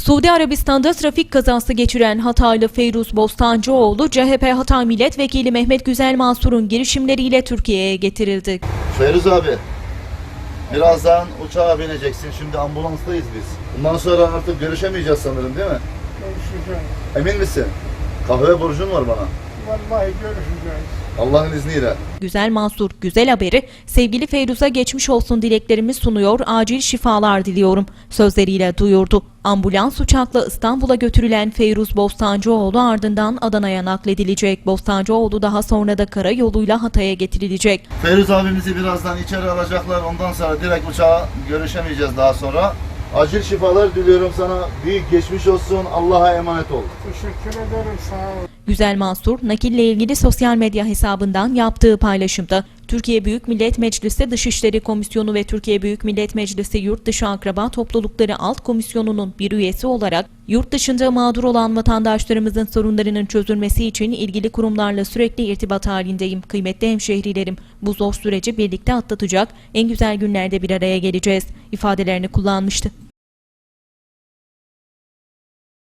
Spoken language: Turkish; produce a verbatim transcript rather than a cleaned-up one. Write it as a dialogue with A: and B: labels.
A: Suudi Arabistan'da trafik kazası geçiren Hataylı Feyruz Bostancıoğlu, C H P Hatay Milletvekili Mehmet Güzel Mansur'un girişimleriyle Türkiye'ye getirildi.
B: Feyruz abi, birazdan uçağa bineceksin. Şimdi ambulanstayız biz. Bundan sonra artık görüşemeyeceğiz sanırım, değil mi?
C: Görüşeceğiz.
B: Emin misin? Kahve borcun var bana.
C: Vallahi görüşeceğiz.
B: Allah'ın izniyle.
A: Güzel Mansur, güzel haberi sevgili Feyruz'a geçmiş olsun dileklerimi sunuyor, acil şifalar diliyorum sözleriyle duyurdu. Ambulans uçakla İstanbul'a götürülen Feyruz Bostancıoğlu ardından Adana'ya nakledilecek. Bostancıoğlu daha sonra da karayoluyla Hatay'a getirilecek.
B: Feyruz abimizi birazdan içeri alacaklar. Ondan sonra direkt uçağa görüşemeyeceğiz daha sonra. Acil şifalar diliyorum sana. Büyük geçmiş olsun. Allah'a emanet ol.
C: Teşekkür ederim, sağ ol.
A: Güzel Mansur, nakille ilgili sosyal medya hesabından yaptığı paylaşımda, Türkiye Büyük Millet Meclisi Dışişleri Komisyonu ve Türkiye Büyük Millet Meclisi Yurtdışı Akraba Toplulukları Alt Komisyonu'nun bir üyesi olarak, yurt dışında mağdur olan vatandaşlarımızın sorunlarının çözülmesi için ilgili kurumlarla sürekli irtibat halindeyim. Kıymetli hemşehrilerim, bu zor süreci birlikte atlatacak, en güzel günlerde bir araya geleceğiz ifadelerini kullanmıştı.